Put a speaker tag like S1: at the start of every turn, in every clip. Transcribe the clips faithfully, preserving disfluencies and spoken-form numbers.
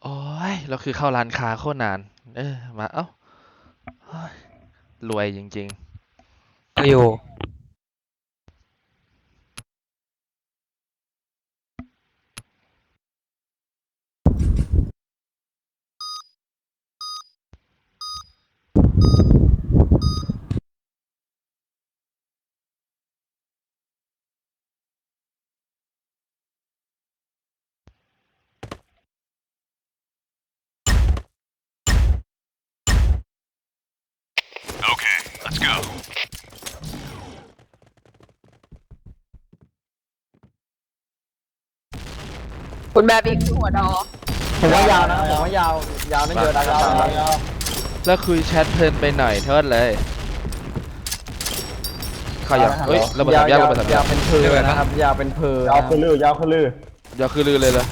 S1: โอ้ยเราคือเข้าร้านค้าโคตรนานเออมาเอ้าเฮ้ยรวยจริง
S2: อยู่
S3: Okay, let's go.
S4: คุณแบบอีกหัวดอ
S5: ผมว่ายาวนะผมว่ายาวยาวนั่นเยอะนะยาวยาว
S1: ๆแล้วคุยแชทเพลินไปหน่อยเทิดเลยเข้ายังเฮ้ยระเบิดสามแยกระเบิดสามแย
S5: ยาก วเป็นเพลนะครับยาวเป็นเพล
S6: ยาวคือลือยาวคือลือ
S1: อย่าคือลือเลยเลย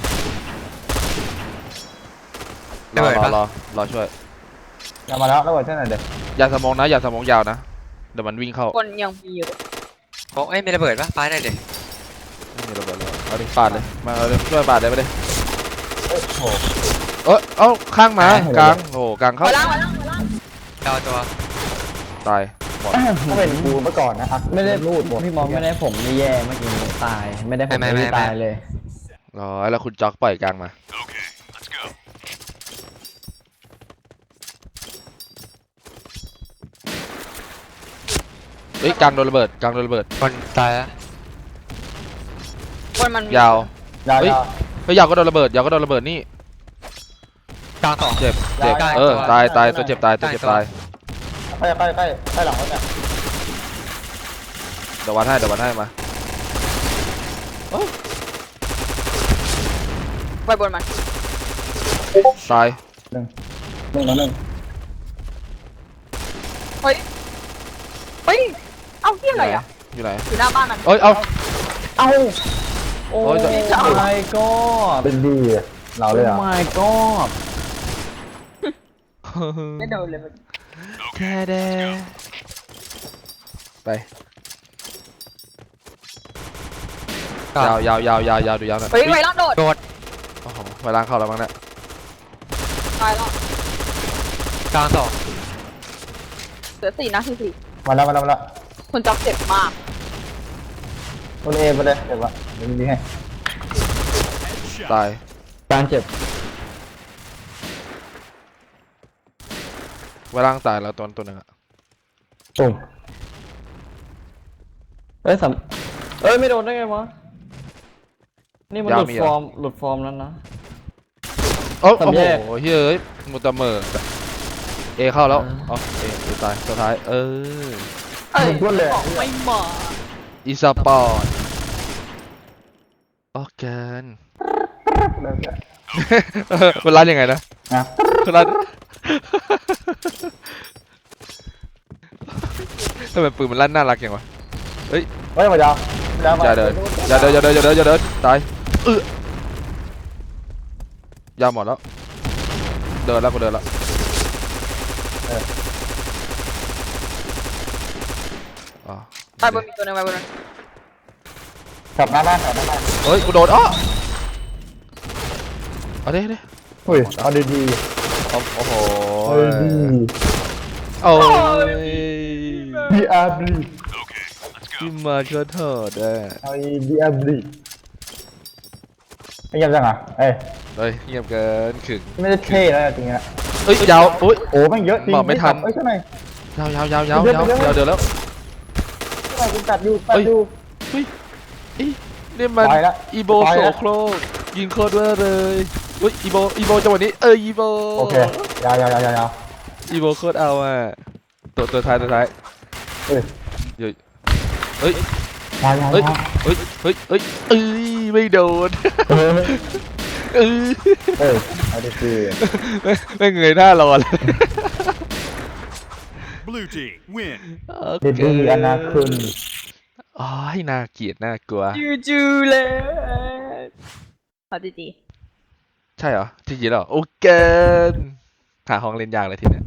S1: รอรอรอรอช่วย
S6: ยาวมาแล้วระเบิดเท่าไหร่เด็ก
S1: อย่าสมองนะอย่าสมองยาวนะเดี๋ยวมันวิ่งเข้า
S4: คนยังมีอยู่
S2: โอ้เอ้ยมีระเบิดปะปาได้เด็
S1: ไม่มีระเบิดเลยเอาดิปาดเลยมาเอาดิช่วยปาดเลยไปเลย
S6: โอ้โห
S1: เอ้ยเอ้าข้างมากลางโอ้กลางเข้า
S4: หัวล่างหัวล่างหัวล่าง
S2: ดาวตัว
S1: ตายหมด
S6: ถ้าเป็นกูเมื่อก่อนนะครับ
S5: ไม่ได้
S6: รูดหมด
S5: พี่มองไม่ได้ผมไม่แย่เมื่อกี้ตายไม่ได้ผมไม่ตายเลย
S1: ร้อยแล้วคุณจ็อกปล่อยกลางมา
S3: Okay, let's go.
S1: เฮ้ยกลางโดนระเบิดกลางโดนระเบิด
S2: คนตายแล้ว
S4: คนมัน
S1: ยาว
S6: ยาว
S1: เฮ้ย
S6: ยาว
S1: เฮ้ยยาวก็โดนระเบิดยาวก็โดนระเบิดนี่
S2: กลางสอง
S1: เจ็บเจ็บ
S2: ยาว
S1: เออ
S2: ตัว
S1: ตายตายตัวเจ็บตายตัวเจ็บ
S2: ตัว
S1: ตาย
S6: ใกล้ใกล้ใกล้ใกล้หลังแล้วเนี่ย
S1: เดี๋ยววัดให้เดี๋ยววัดให้มา
S4: ไปบนมัน
S1: ตาย
S6: หนึ่งหนึ่งต่อหนึ่ง
S4: เฮ้ยเฮ้ยเอ้าที่อะไรอ่ะ
S1: อยู่ไหน
S4: อยู่หน้าบ้านมัน
S1: เอ้ยเอา
S5: เอ้าโอ้
S1: โอ้ย
S5: my god
S6: เป็นดีเราเลยอ่ะ
S5: oh my god
S4: ไม่โดนเลยมัน
S1: แค่เดไป
S2: กลาง
S1: ยาวยาวยาวยาวยาวดูยาวหน่อย
S4: เฮ้ยไวรัสโดด
S2: โดด
S1: โอ้โหไปล้างเข้าแล้วมั้งเนี่ย
S4: ตายแล้ว
S2: กลางสอง
S4: เหลือสี่นะคือสี่
S6: มาแล้วมาแล้วมาแล้ว
S4: คุณจ็อกเจ็บมาก
S6: คนเอไปเลยเดี๋ยววะเดี๋ยวยิงให้
S1: ตาย
S5: การเจ็บ
S1: ไปล้างตายแล้วตัวตัวหนึ่งอะ
S6: ตุ่ม
S5: เอ้ยสามเอ้ยไม่โดนได้ไงวะนี่มันหลุดฟอร์มหลุดฟอร์มแล้วนะ
S1: โอ้
S5: สาม
S1: โอ้
S5: แยก
S1: โหเฮ้ยมุตะเมอร์เอเข้าแล้วอ๋อเอเอตายสุดท้ายเออ
S4: เอ้ย
S6: พูดเลย
S4: บอกไม่มา
S1: อีสปอร์ตโอเคมันร้านยังไงนะ
S6: นะ
S1: มันร้านทำไมปืนมันลั่นน่ารักอย่างวะเฮ้ย
S6: เฮ้ยมายาวมายาวมา
S1: อย่าเดินอย่าเดินอย่าเดินอย่าเดินอย่าเดินตายเออยาวหมดแล้วเดินแล้วกูเดินแล้วอ๋อ
S4: ตายบนมีตัวหนึงไปบนนั้น
S6: กลับหน้าบ้านกลับหน้าบ้าน
S1: เฮ้ยกูโดนอ้อเอาดิเอาดิ
S6: เฮ้ยเอาดีดี
S1: เอาโอ้โห
S6: เอาดี
S1: โอ้ย
S6: บีอาร์บี
S3: Okay, let's
S1: ที่
S3: go.
S1: มาช่วยเถิดอ่ะ
S6: เอาบีอาร์บีไม่เยี่ยมจังอ่ะเอ้ย
S1: เฮ้ยเงียบเกินขึง
S6: ไม่ได้เท่แล้วจริงๆนะ
S1: เอ้ยยาวอุ้ย
S6: โอ้แม่งเยอะจริง
S1: บอกไม่ทัน
S6: เอ้ยเท่าไหร่
S1: ยาวยาวยาวยาวยาวยาวเดี๋ยวแล้ว
S6: เท่าไหร่กูตัดอยู่ตัดอยู่
S1: อีนี่มัน
S6: ไปละ
S1: อีโบ
S6: ไป
S1: โซ
S6: ละ
S1: โครกยิงโคตรเวอร์เลยอุ้ยอีโบอีโบจังหวะนี้เอออีโบ
S6: โอเคยาวยาวยาวยาวยาว
S1: อีโบโคตรเอาอ่ะตัวตัวท้ายตัวท้าย
S6: เอ้ย
S1: เฮ้ยเฮ้ย
S6: ยาวยาว
S1: เฮ้ย
S6: ยาว
S1: เฮ้ยเฮ้ยเฮ้ยเอ้ยไม่โดน
S6: เออ
S1: เออ
S6: เอ้ยเอาดีดี
S1: ไม่ไม่เงยหน้ารอเลย
S3: Blue team, win.
S6: ดีดีอนาคุณ
S1: อ๋อให้น่าเกลียดน่ากลัว
S4: จูจูเลยขอจีจี
S1: ใช่เหรอจริงๆเหรอโอเคหาห้องเล่นยากเลยทีเนี้ย